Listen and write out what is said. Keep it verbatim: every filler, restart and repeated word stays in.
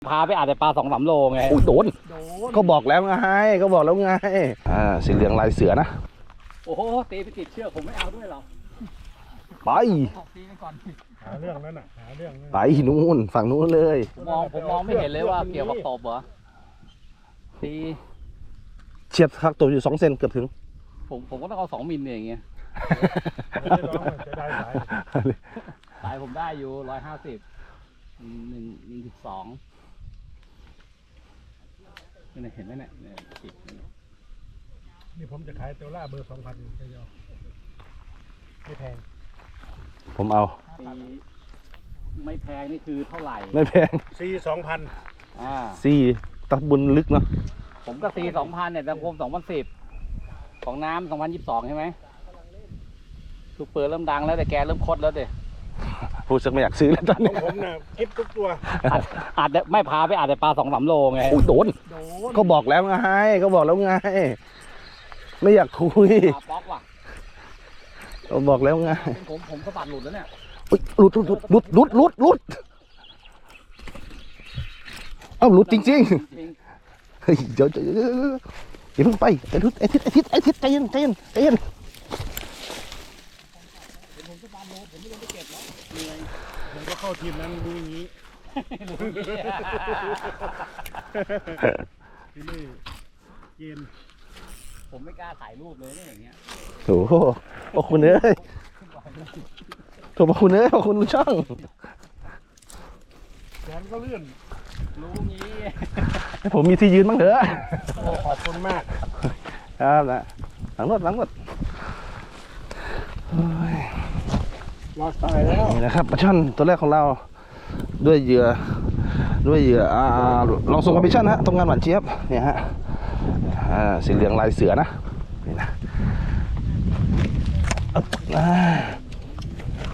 พาไปอาจจะปลาสองสามโลไงอุ้ยโดนก็บอกแล้วไงก็บอกแล้วไงอ่าสีเหลืองลายเสือนะโอ้โหตีไปติดเชือกผมไม่เอาด้วยหรอกไปตีไปก่อนหาเรื่องนั้นน่ะหาเรื่องไปนู่นฝั่งนู้นเลยผมมองผมมองไม่เห็นเลยว่าเกี่ยวกับตบเหรอตีเฉียดคักตัวอยู่สองเซนเกือบถึงผมผมก็ต้องเอาสองมิลเนี่ยอย่างเงี้ยจะได้สายสายผมได้อยู่ร้อยห้าสิบหนึ่งหนึ่งสิบสองนี่เห็นไหมเนี่ยติดนี่ผมจะขายเตล่าเบอร์สองพันไปยอไม่แพงผมเอาไม่แพงนี่คือเท่าไหร่ไม่แพงซีสองพันอ่าซีตะบุญลึกเนาะผมก็ซีสองพันเนี่ยตังคมสองพันสิบของน้ำสองพันยี่สิบสองใช่ไหมซูเปอร์เริ่มดังแล้วแต่แกเริ่มคดแล้วเด็พูดสักไม่อยากซื้อแล้วตอนนี้ผมน่ะคิดทุกตัวอาจจะไม่พาไปอาจจะปลาสองสามโลไงอุ้ยโดนก็บอกแล้วไงก็บอกแล้วไงไม่อยากคุยปลาป๊อกว่ะก็บอกแล้วไงผมผมสะบัดหลุดแล้วเนี่ยหลุดหลุดหลุดหลุดหลุดหลุดเอ้าหลุดจริงๆเฮ้ยเดี๋ยวเดี๋ยวอย่าเพิ่งไปไอ้ทิศไอ้ทิศไอ้ทิศไอ้ทิศใจเย็นใจเย็นใจเย็นผมสะบัดหลุดผมไม่ลงไปเก็บแล้วเหนื่อยผมก็เข้าทีมนั้นดูอย่างนี้ที่นี่เย็นผมไม่กล้าถ่ายรูปเลยเนี่ยอย่างเงี้ยโอ้โหขอบคุณเอ้ยขอบคุณเอ้ยขอบคุณช่างแขนก็เลื่อนรู้งี้ผมมีที่ยืนบ้างเถอะขอบคุณมากครับนะหลังรถหลังรถรอดตายแล้วนี่นะครับปลาช่อนตัวแรกของเราด้วยเหยื่อด้วยเหยื่ออ่าลองส่งกับปลาช่อนฮะทำงานหวานเจี๊ยบเนี่ยฮะอ่าสีเหลืองลายเสือนะนี่นะ